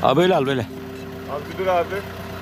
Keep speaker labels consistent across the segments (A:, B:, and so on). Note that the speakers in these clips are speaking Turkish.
A: Abi böyle al böyle.
B: Abi dur abi.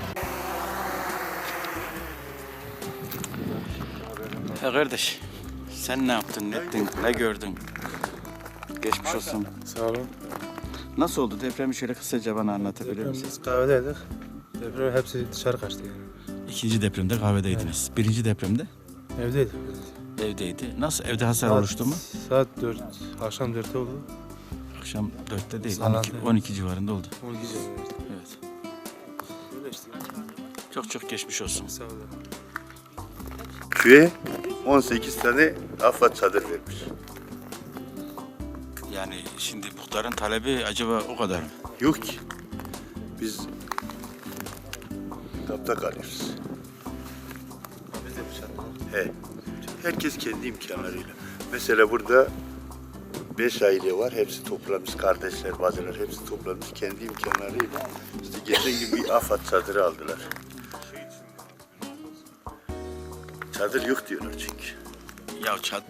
A: Ya kardeş, sen ne yaptın, ne ettin, ne gördün? Geçmiş olsun.
C: Sağ olun.
A: Nasıl oldu? Depremi şöyle kısaca bana anlatabilir misin?
C: Biz kahvedeydik. Deprem hepsi dışarı kaçtı yani.
A: İkinci depremde kahvedeydiniz. Birinci depremde
C: Evdeydik.
A: evdeydi. Nasıl? Evde hasar oluştu mu?
C: Saat 4, akşam 4'te oldu.
A: Akşam 4'te değil,
C: Saat
A: 12 civarında oldu.
C: 12 civarında.
A: Evet.
C: Öyle işte.
A: Çok geçmiş olsun.
C: Sağ olun.
B: Köye 18 tane AFAD çadır vermiş.
A: Yani şimdi muhtarın talebi acaba o kadar mı?
B: Yok ki. Biz kapta kalıyoruz.
C: Biz de bir
B: He. Herkes kendi imkanlarıyla. Mesela burada 5 aile var. Hepsi toplamış. Kardeşler, bacılar hepsi toplamış. Kendi imkanlarıyla işte geçen gibi bir AFAD çadırı aldılar. Çadır yok diyorlar çünkü.
A: Ya çat.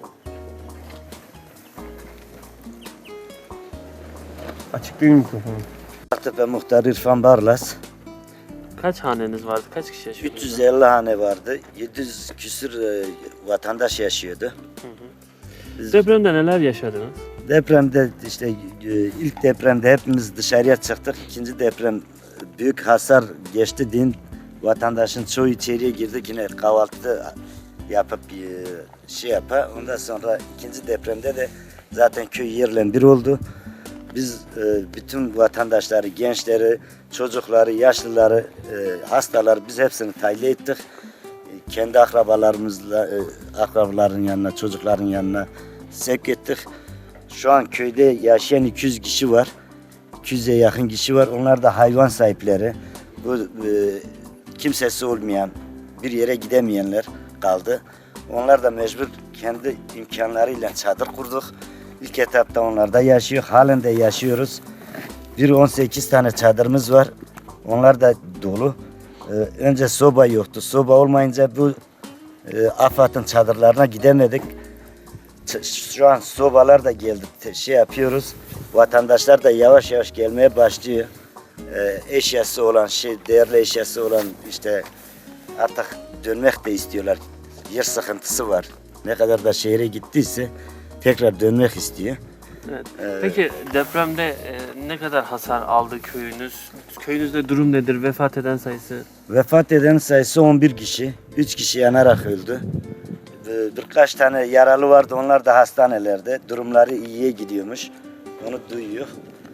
C: Açık değil mikrofonu.
D: Aktepe Muhtarı İrfan Barlas.
E: Kaç haneniz vardı? Kaç kişi yaşıyordu?
D: 350 hane vardı. 700 küsür vatandaş yaşıyordu.
E: Depremde neler yaşadınız?
D: Depremde işte ilk depremde hepimiz dışarıya çıktık. İkinci deprem büyük hasar geçti din. Vatandaşın çoğu içeriye girdi. Yine kahvaltı yapıp şey yapar. Ondan sonra ikinci depremde de zaten köy yerle bir oldu. Biz bütün vatandaşları, gençleri, çocukları, yaşlıları, hastaları biz hepsini tahliye ettik. Kendi akrabalarımızla, akrabaların yanına, çocukların yanına sevk ettik. Şu an köyde yaşayan 200 kişi var. 200'e yakın kişi var. Onlar da hayvan sahipleri. Bu kimsesi olmayan, bir yere gidemeyenler kaldı. Onlar da mecbur kendi imkanlarıyla çadır kurduk. İlk etapta onlar da yaşıyor. Halen de yaşıyoruz. 18 tane çadırımız var. Onlar da dolu. Önce soba yoktu. Soba olmayınca bu AFAD'ın çadırlarına gidemedik. Şu an sobalar da geldi. Şey yapıyoruz. Vatandaşlar da yavaş yavaş gelmeye başlıyor. Eşyası olan değerli eşyası olan işte artık dönmek de istiyorlar. Yer sıkıntısı var. Ne kadar da şehre gittiyse tekrar dönmek istiyor.
E: Evet. Peki depremde ne kadar hasar aldı köyünüz? Köyünüzde durum nedir? Vefat eden sayısı?
D: Vefat eden sayısı 11 kişi. 3 kişi yanarak öldü. Birkaç tane yaralı vardı. Onlar da hastanelerde. Durumları iyiye gidiyormuş. Onu duyuyor.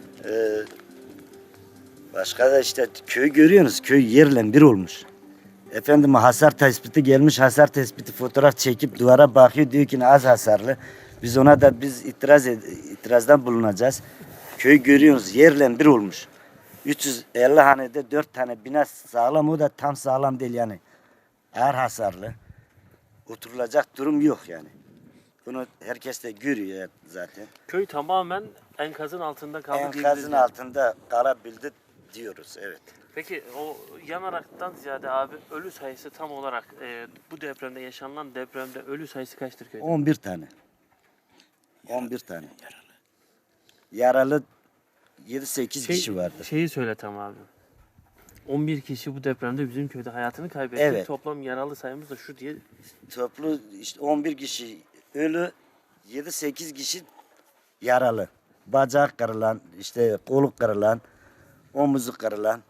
D: Başka da işte köyü görüyorsunuz. Köy yerle bir olmuş. Efendim hasar tespiti gelmiş. Hasar tespiti fotoğraf çekip duvara bakıyor. Diyor ki az hasarlı. Biz ona da itirazdan bulunacağız. Köyü görüyorsunuz. Yerle bir olmuş. 350 hanede 4 tane bina sağlam. O da tam sağlam değil yani. Ağır hasarlı. Oturulacak durum yok yani. Bunu herkes de görüyor zaten.
E: Köy tamamen enkazın altında kaldı
D: Enkazın
E: diyebiliriz.
D: altında kalabildi diyoruz, evet.
E: Peki o yanaraktan ziyade abi ölü sayısı tam olarak bu depremde yaşanılan depremde ölü sayısı kaçtır köyde?
D: 11 tane. 11 tane. Yaralı 7-8 kişi vardı.
E: Şeyi söyle tam abi. 11 kişi bu depremde bizim köyde hayatını kaybetti.
D: Evet.
E: Toplam yaralı sayımız da şu diye.
D: Toplu işte 11 kişi ölü, 7-8 kişi yaralı. Bacak kırılan, işte kolu kırılan, omuzu kırılan.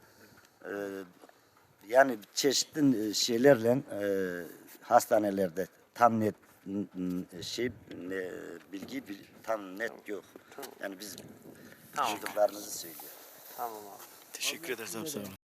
D: Yani çeşitli şeylerle hastanelerde tam net bilgi tam net yok.
E: Tamam.
D: Yani biz
E: Tamam.
D: çocuklarımızı söylüyor.
E: Tamam abi.
A: Teşekkür ederiz abi, sağ olun.